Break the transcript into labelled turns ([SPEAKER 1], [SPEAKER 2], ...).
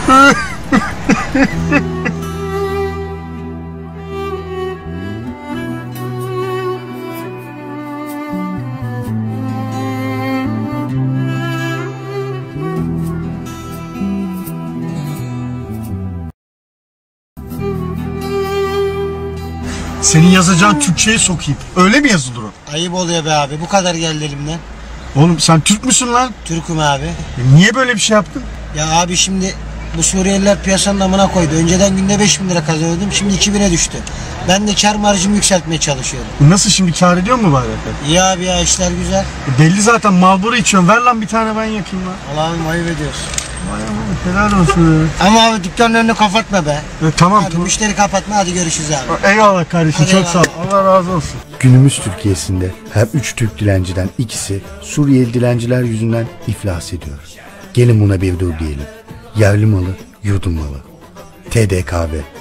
[SPEAKER 1] Senin yazacağın Türkçe'ye sokayım. Öyle mi yazılır o?
[SPEAKER 2] Ayıp oluyor be abi. Bu kadar geldi elimden.
[SPEAKER 1] Oğlum sen Türk müsün lan?
[SPEAKER 2] Türk'üm abi.
[SPEAKER 1] Niye böyle bir şey yaptın?
[SPEAKER 2] Ya abi şimdi bu Suriyeliler piyasanın amına koydu. Önceden günde 5.000 lira kazanıyordum. Şimdi 2.000'e düştü. Ben de kar marjımı yükseltmeye çalışıyorum.
[SPEAKER 1] Nasıl şimdi, kâr ediyor mu bari?
[SPEAKER 2] İyi abi ya, işler güzel.
[SPEAKER 1] Belli zaten, Marlboro içiyorsun. Ver lan bir tane, ben yakayım lan.
[SPEAKER 2] Allah'ım ayıp ediyorsun.
[SPEAKER 1] Vay aman, helal olsun.
[SPEAKER 2] Ama abi dükkanın önünü kapatma be.
[SPEAKER 1] Tamam
[SPEAKER 2] Hadi
[SPEAKER 1] tamam.
[SPEAKER 2] müşteri kapatma, hadi görüşürüz abi.
[SPEAKER 1] Eyvallah kardeşim,
[SPEAKER 2] Hadi
[SPEAKER 1] çok
[SPEAKER 2] eyvallah.
[SPEAKER 1] sağ ol. Allah razı olsun.
[SPEAKER 3] Günümüz Türkiye'sinde her 3 Türk dilenciden ikisi Suriyeli dilenciler yüzünden iflas ediyor. Gelin buna bir dur diyelim. Yerli malı, yurdum malı. TDKV.